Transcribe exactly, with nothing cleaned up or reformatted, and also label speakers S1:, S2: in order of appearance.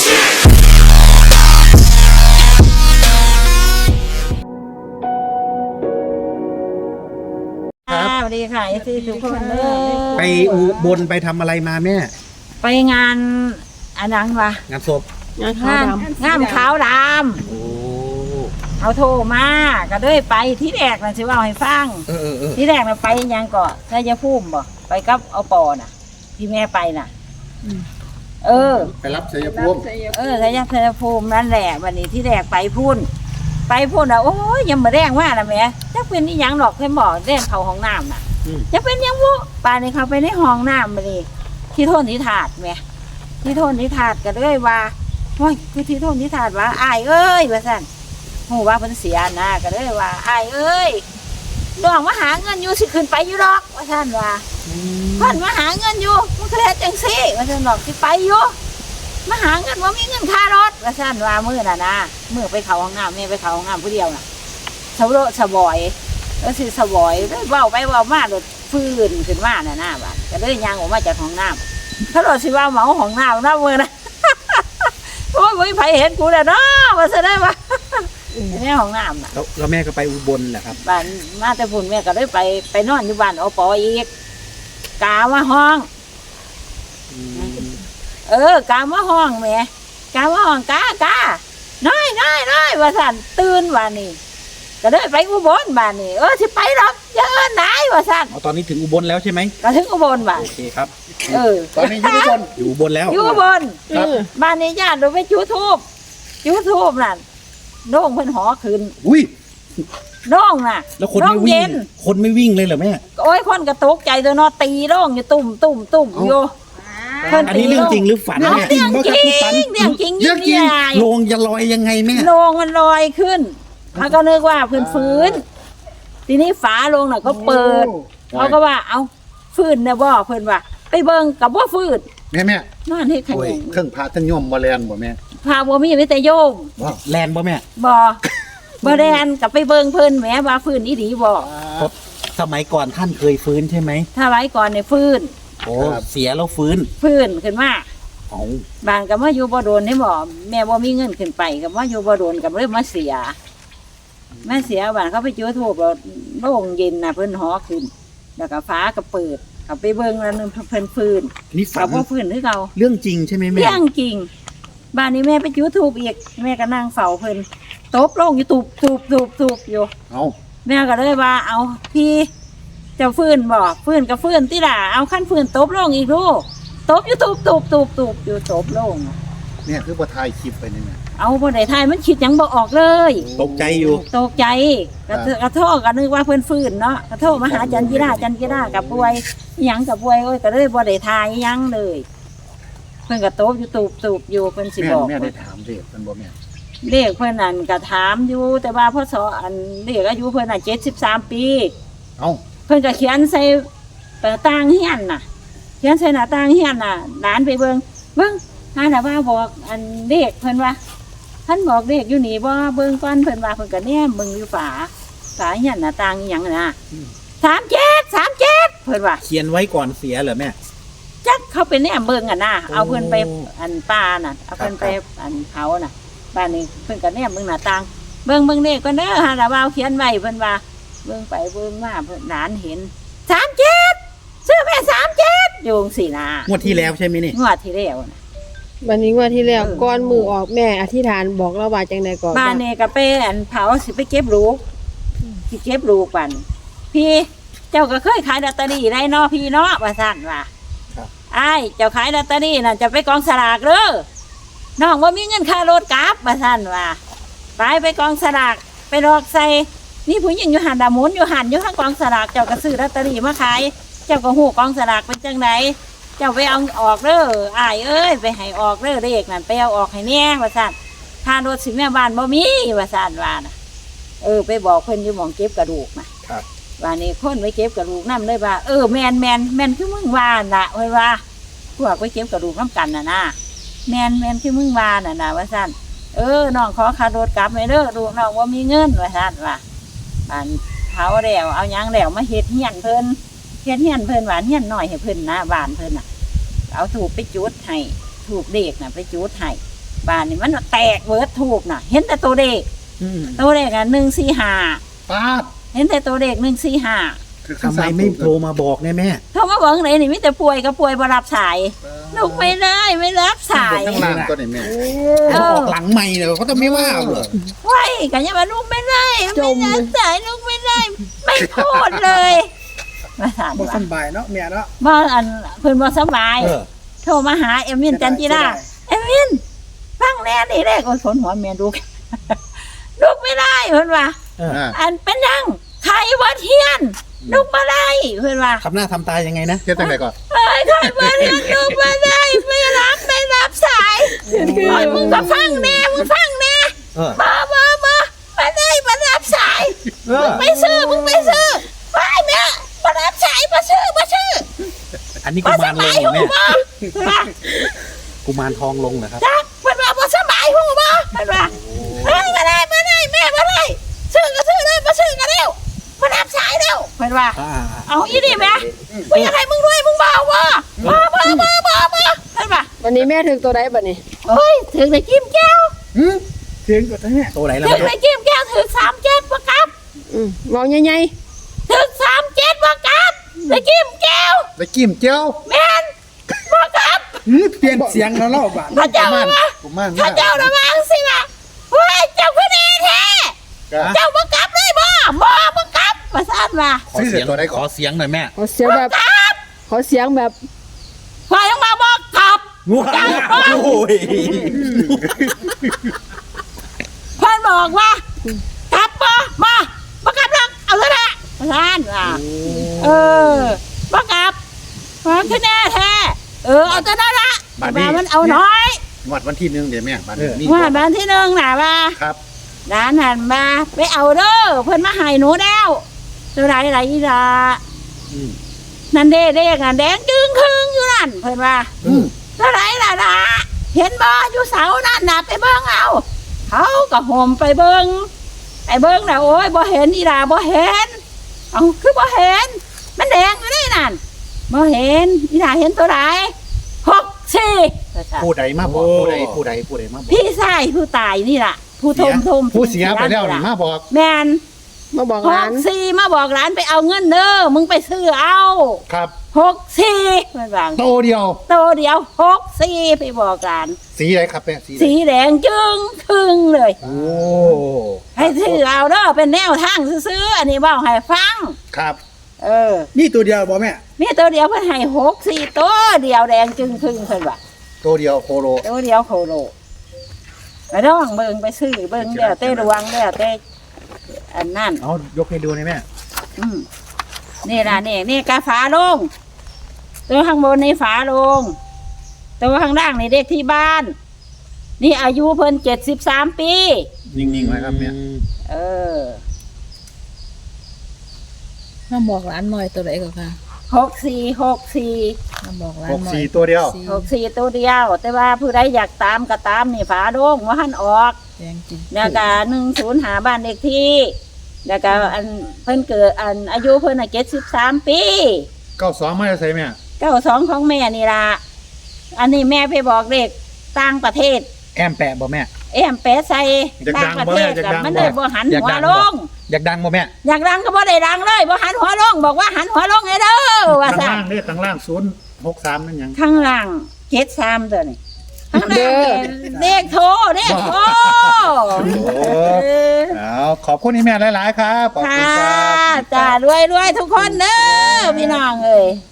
S1: สวัสดีค่ะไอซีทุกคนเลย
S2: ไปอุบลไปทำอะไรมาแม่
S1: ไปงานอันนั้นวะ
S2: งานศพ
S1: งานงานงานขาวดำ
S2: โอ้
S1: เขาโทรมาก็เลยไปที่แรกนะชิว่าให้ฟัง
S2: เออเออ
S1: ที่แรกเราไปยังก่อนชัยภูมิบ่ไปกับเอาปอน่ะที่แม่ไปน่ะเออ
S2: ไปรับชัยภูมิ
S1: เออชัยชัยภูมินั่นแหละวันนี้ที่แรกไปพุ่นไปพุ่นอ่ะโอ้ยยังมาแรงว่านะแม่จะเป็นนี่ยังหรอกเคยบอกเรื่องเขาห้องน้ำน่ะจะเป็นยังวุป่านนี้เขาไปในห้องน้ำมาเลยที่โทษที่ถาดแม่ที่โทษที่ถาดก็เลยว่าโอ้ยคือที่โทษที่ถาดว่าอายเอ้ยว่าสั่นโหว่าเพิ่นเสียนะก็เลยว่าอายเอ้ยดองมาหาเงินอยู่สิขึ้นไปอยู่ดอกว่าสั่นว่าเพิ่นมาหาเงินอยู่มันก็เลยจังซี่ว่าสั่นดอกสิไปอยู่มาหาเงินว่ามีเงินค่ารถว่าสั่นว่ามื้อน่ะนะมื้อไปเข้าห้องน้ำแม่ไปเข้าห้องน้ำผู้เดียวน่ะสะโรสะบอยแล้วสิสะบอยเว้าไปเว้ามาโดดฟื้นขึ้นมาน่ะนะบัดก็เลยย่างออกมาจากห้องน้ำถ้าโดดสิว่าเหมาห้องน้ำนะมื้อน่ะโอ้ยบ่มีไผเห็นกูแล้วเนาะว่าซะได้ว่าในห้องน้ำน่ะ
S2: แล้วแม่ก็ไปอุบลแหละครับ
S1: บ้านมาแต่พุ่นแม่ก็เลยไปไปนอนอยู่บ้านอปออีกกามาห้องเออกามาห้องแม่กามาห้องกากาน้อยน้อยน้อยว่าสั่นตื่นว่านี่ก็เลยไปอุบลบ้านนี่เออสิไปหรอกอย่าเอิ้นไหนว่าสั่น
S2: ตอนนี้ถึงอุบลแล้วใช่ไหม
S1: ก็ถึงอุบลบ้าน
S2: โอเคครับ
S1: เออ
S2: ตอนนี้อยู่อุบลอยู่อุบลแล้ว
S1: อยู่อุบลบ้านนี้ญาติเราไปจุดธูปจุดธูปนั่นโด่งเพิ่นหอขึ้น
S2: อุ้ย
S1: โด่งน่ะ
S2: แล้วคนไม่วิ่งคนไม่วิ่งเลยเหรอแม่
S1: โอ้ยคนกระตกใจตัวเนาะตีโด่งอยู่ตุ่มตุ่มตุ่มอยู่
S2: อันนี้เรื่องจริงหรือฝัน
S1: แม่เรื่องจริงเรื่องจริงเรื่องจริง
S2: โลงจะลอยยังไงแม่
S1: โลงมันลอยขึ้นเขาก็นึกว่าเพิ่นฟื้นทีนี้ฝาโลงน่ะก็เปิดเขาก็ว่าเอาฟื้นนะบ่เพิ่นว่าไปเบิ่งกับบ่ฟื้น
S2: แม่แม่
S1: นอนเฮ็ดขยง
S2: เครื่องพาทั้งโยมบ่แลนบ่แม่
S1: พาบ่มีมีแต่โยม
S2: แลนบ่แม่
S1: บ่บ่แลนกับไปเบิ่งเพิ่นแหมว่าฟื้นอีหลีบ่
S2: สมัยก่อนท่านเคยฟื้นใช่ไหม
S1: ถ้าไว้ก่อนเนี่ยฟื้น
S2: โอ้เสียแล้วฟื้น
S1: ฟื้นขึ้นมาบางก็มาอยู่บ่โดนให้บ่แม่บ่มีเงินขึ้นไปก็มาอยู่บ่โดนก็เลยมาเสียแม่เสียบ้านเขาไปจุดธูปแล้วโล่งเย็นน่ะเพิ่นหอขึ้นแล้วก็ฟ้าก็เปิดก็ไปเบิ่งแล้วนึงเพิ่นฟื้น
S2: นี่ฝัน
S1: บ่ฟื้นคือเก่า
S2: เรื่องจริงใช่ไหมแม่
S1: เรื่องจริงบ้านนี้แม่ไปจุดธูปอีกแม่ก็นั่งเฝ้าเพิ่นตบลงอยู่ตูบตูบตูบตูบอยู่
S2: เอ้า
S1: แม่ก็เลยว่าเอาพี่เจ้าฟื้นบ่ฟื้นก็ฟื้นติล่ะเอาขั้นฟื้นตบลงอีกดูตบอยู่ตูบตูบตูบตูบอยู่ตบลง
S2: เนี่ยคือบ่ถ่ายคลิปไปนี่แม่
S1: เอาบ่ได้ถ่ายมันคิดหยังบ่ออกเลย
S2: ตกใจอยู่
S1: ตกใจกระกระโทษก็นึกว่าเพิ่นฟื้นเนาะกระโทษมาหาจันกีฬาจันกีฬากับป่วยหยังกับป่วยโอ้ยก็เลยบ่ได้ถ่ายหยังเลยเพิ่นก็ตบอยู่ตูบตูบอยู่เพิ่นสิบอก
S2: แม่ได้ถามเด็กเพิ่นบ่แม่
S1: เด็กเพิ่นนั่นก็ถามอยู่แต่ว่าพ่อสออันเด็กอายุเพิ่นน่ะเจ็ดสิบสามปี
S2: เอ้า
S1: เพิ่นก็เขียนใส่หน้าต่างเฮียนน่ะเขียนใส่หน้าต่างเฮียนน่ะหลานไปเบิ่งเบิ่งหาน่ะว่าบอกอันเด็กเพิ่นว่าท่านบอกเด็กอยู่นี่บ่เบิ่งก่อนเพิ่นว่าเพิ่นก็แนมเบิ่งอยู่ฝาฝาเฮียนหน้าต่างอีหยังน่ะสามเจ็ด สามเจ็ดเพิ่นว่า
S2: เขียนไว้ก่อนเสียเหรอแม่
S1: จักเขาไปแนมเบิ่งอ่ะนะเอาเพิ่นไปอันป่าน่ะเอาเพิ่นไปอันเขาน่ะบ้านนี้เพิ่นก็แนมเบิ่งหน้าต่างเบิ่งเบิ่งเด็กก่อนเด้อหาน่ะว่าเขียนไว้เพิ่นว่าเบิ่งไปเบิ่งมาเพิ่นหลานเห็นสามเจ็ดซื้อแม่สามเจ็ดโยงสินะ
S2: งวดที่แล้วใช่ไหมนี่
S1: งวดที่แล้วนะ
S3: วันนี้งวดที่แล้วก้อนมือออกแม่อธิษฐานบอกเราว่าจังได๋ก่อน
S1: บ้านนี่ก็ไปอันเผาสิไปเก็บลูกสิเก็บลูกปันพี่เจ้าก็เคยขายลอตเตอรี่ได้เนาะพี่เนาะว่าซั่นว่าอ้ายเจ้าขายลอตเตอรี่น่ะจะไปกองสลากเด้อน้องว่ามีเงินค่ารถกลับว่าซั่นว่าไปไปกองสลากไปหลอกใส่นี่ผู้หญิงอยู่หันดาหมุนอยู่หันอยู่ข้างกองสลากเจ้าก็ซื้อลอตเตอรี่มาขายเจ้าก็ฮู้กองสลากเป็นจังไดเจ้าไปเอาออกเด้ออ้ายเอ้ยไปให้ออกเด้อเลขนั่นไปเอาออกให้แน่ว่าซั่นค่ารถสิแม่บ้านบ่มีว่าซั่นว่าน่ะเออไปบอกเพิ่นอยู่หม้องเก็บกระดูกน่ะครับว่านี่คนไปเก็บกระดูกนำเลยว่าเออแม่นแม่นแม่นคือมึงว่าน่ะเพิ่นว่าพวกไปเก็บกระดูกนำกันน่ะนะแม่นแม่นคือมึงว่าน่ะนะว่าซั่นเออน้องขอค่ารถกลับให้เด้อลูกน้องบ่มีเงินว่าซั่นว่าอันเผาแล้วเอาหยังแล้วมาเฮ็ดเฮียนเพิ่นเฮ็ดเฮียนเพิ่นว่าเฮียนน้อยให้เพิ่นนะบ้านเพิ่นน่ะเอาถูกไปจุดให้ถูกเด็กน่ะไปจุดให้บ้านนี่มันแตกเบิดทูบน่ะ เห็นแต่ตัวเลข
S2: อืม
S1: ตัวเลขอ่ะหนึ่งสี่ห้า
S2: ป้าด
S1: เห็นแต่ตัวเลขหนึ่งสี่ห้า
S2: ทำไมไม่โทรมาบอกเนี่ยแม่
S1: เขามาบอกไหนนี่มิแต่ป่วยก็ป่วยบ่รับสายลูกไม่ได้ไม่รับสาย
S4: ทั้งล่างตัวนี้แม่
S1: เอ
S2: เขา
S1: อ
S2: ออกหลังไม่เลยเขาจะไม่ว่าเหรอ
S1: ไว้กันยังว่าลูกไม่ได้ไม่รับสายลูกไม่ได้ ไม่พูดเลยมาสาน
S5: บ่
S1: ว่า
S5: สำบายเนาะแม่เนาะ
S1: บ่อันเพิ่นบ่สบาย
S2: เออ
S1: โทรมาหาเอมินจันจิราเอมินฟังแน่นี่แรกโอ้ยฝนหัวเมียลูก ลูกไม่ได้เพิ่นว่า
S2: เออ
S4: อ่า
S1: อันเป็นยังใครว่าเทียน ลูกมาได้เพื่อนว่า
S2: ทำหน้าทำตายังไงนะ
S4: เฮ็ดจังไดก่อน
S1: เอ้ยใครว่าเทียนลูกมาได้ไม่รับไม่รับสายโอ้ยมึงก็ฟังแน่มึงฟังแน่
S2: เออ
S1: มามามามาได้มารับสาย
S2: เออ
S1: ไม่ซื้อมึงไม่ซื้อไปแม่มารับสายมาซื้อมาซื้อ
S2: อันนี้กุ
S1: มาส
S2: มารล
S1: บาง ย
S2: เหรอ
S1: หู
S2: แม่
S1: บ่ว่า
S2: กุมารทองลงเหรอครับ
S1: จักเพื่อนว่ามาสบายหูบ่เพื่อนว่าเอ้ยมาได้มาได้แม่มาได้ซื้อก็ซื้อเลยมาซื้อกันเร็วมารับสายเร็วเพื่อนว่า
S2: อ่า
S1: เอาอีนี่แม่กูอยากให้มึงรวยมึงเบาว่ะมามามามามาเห็นปะ
S3: วันนี้แม่ถึงตัวใดบัดนี้
S1: เฮ้ยถึงในจิ้มแก้ว
S5: หืมเสียงก็แท้
S2: ตัวไหนล่ะ
S1: ถึงใน
S2: แม่
S1: จิ้มแก้วถึงสามเจ็ดประกับ
S3: อืมเว้าใหญ่
S1: ถึงสามเจ็ดประกับในจิ้มแก้ว
S4: แล้วจิ้มเจียว
S1: แม่นประกับ
S5: หืมเปลี่ยนเสียงแล้วเนาะบาด
S1: พระเจ้ามา
S4: กุมาร
S1: พระเจ้าระวังสิละเฮ้ยเจ้าคือดีแท้
S4: ก็
S1: เจ้าประกับเลยบ่บ่ประกับมาซาดมา
S2: ขอเสียงขอเสียงหน่อยแม่
S3: ๆขอเสียงแบบ
S1: กับ
S3: ขอเสียงแบบ
S1: พอยังมาบอกกับ
S2: ว้าวโอ้ย
S1: เพื่อนบอกว่ากลับมามาประกับแล้วเอาเถอะนะมาซาดว่า เออบังคับความคะแนนแท้เออเอาแต่นั้นละว่ามันเอาน้อย
S4: งวดวันที่หนึ่งเดี๋ยวแม่บัดนี้มี
S1: ว่าบ้านที่หนึ่งน่ะว่า
S4: ครับ
S1: ร้านหันมาไปเอาเด้อเพิ่นมาให้หนูแล้วตัวไหนไหนอีละ
S2: อืม
S1: นั่นเด้เด้งอ่ะแดงจึงครึ่งอยู่นั่นเพิ่นว่า
S2: อืม
S1: ตัวไหนล่ะล่ะเห็นบ่อยู่เสานั่นน่ะไปเบิ่งเอาเขาก็ห่มไปเบิ่งไปเบิ่งน่ะโอ้ยบ่เห็นอีหล่าบ่เห็นเอาคือบ่เห็น มันแดงอยู่นี่นั่นบ่เห็นอีหล่าเห็นตัวไหนหกสี่
S2: ผู้ใดมาบอกผู้ใดผู้ใดผู้ใดมาบอก
S1: พี่ชายผู้ตายนี่ล่ะ ผู้ทมทม
S4: ผู้เสียไปแล้วนี่มาบอก
S1: แมน
S3: มาบอก
S1: ห
S3: ร้าก น
S1: สี่มาบอกร้านไปเอาเงินเด้อมึงไปซื้อเอา
S4: ครับ
S1: หกสี่มันว่า
S4: โตเดียว
S1: โตเดียวหกสี่ไปบอกร้าน
S4: สีอะไรครับแม่สีอะไร
S1: สีแดงจึงครึ่งเลย
S4: โอ้
S1: ให้ซื้อเอาเด้อเป็นแนวทางซื้อๆอันนี้เว่าให้ฟัง
S4: ครับ
S1: เออ
S5: นี่ตัวเดียวบ่แม่
S1: มีตัวเดียวเพิ่นให้หกสี่ตัวเดียวแดงจึงครึ่งเพิ่นว่า
S4: โตเดียวโคโล
S1: ตัวเดียวโคโลไปร้องเบิ่งไปซื้อเบิ่งแล้วเต้ระวังแล้วเต้อันนั่น
S2: เอายกให้ดูหน่อยแม่
S1: อืมนี่ล่ะนี่นี่กาฝาลงตัวข้างบนนี่ฝาลงตัวข้างล่างนี่เด็กที่บ้าน นี่อายุเพิ่นเจ็ดสิบสามปี
S4: นิ่งๆไว้ครับแม่
S1: เออ
S6: มาบอกร้านหน่อยตัวไหนก่อนค่ะ
S1: หกสี่หกสี่
S6: มาบอกร้าน
S4: หก
S6: หน่อย
S4: สี่ตัวเดียว
S1: หกสี่ตัวเดียว แต่ว่าผู้ใดอยากตามก็ตามนี่ฝาลงว่าหันออก
S6: แดงจริง
S1: แล้วก็หนึ่งศูนย์หาบ้านเด็กที่แล้วก็อันเพิ่นเกิดอันอายุเพิ่นอ่ะเจ็ดสิบสามปี
S4: เก้าสองไม่ได้ใส่แม่
S1: เก้าสองของแม่นี่ล่ะอันนี้แม่ไปบอกเด็กต่างประเทศ
S2: แอมแปะบ่แม่
S1: เอ็มเปใส่ต่างประเทศกับมันเลยบ่หันหัวลง
S2: อยากดังบ่แม่
S1: อยากดังก็บ่ได้ดังเลยบ่หันหัวลงบอกว่าหันหัวลงไอ้เด้อว่า
S4: ข้าง
S1: ซั่น
S4: ล่างนี่ข้างล่างศูนย์หกสามนั่นยัง
S1: ข้างล่างเจ็ดสามตัวนี่ข้างล่างเลขโทรเลขโทร เออ
S4: เอาขอบคุณนี่แม่หลายๆครับขอบ
S1: ค่ะ
S4: คุณครับ
S1: จ้ารวยรวยๆทุกคนเด้อพี่น้องเอ้ย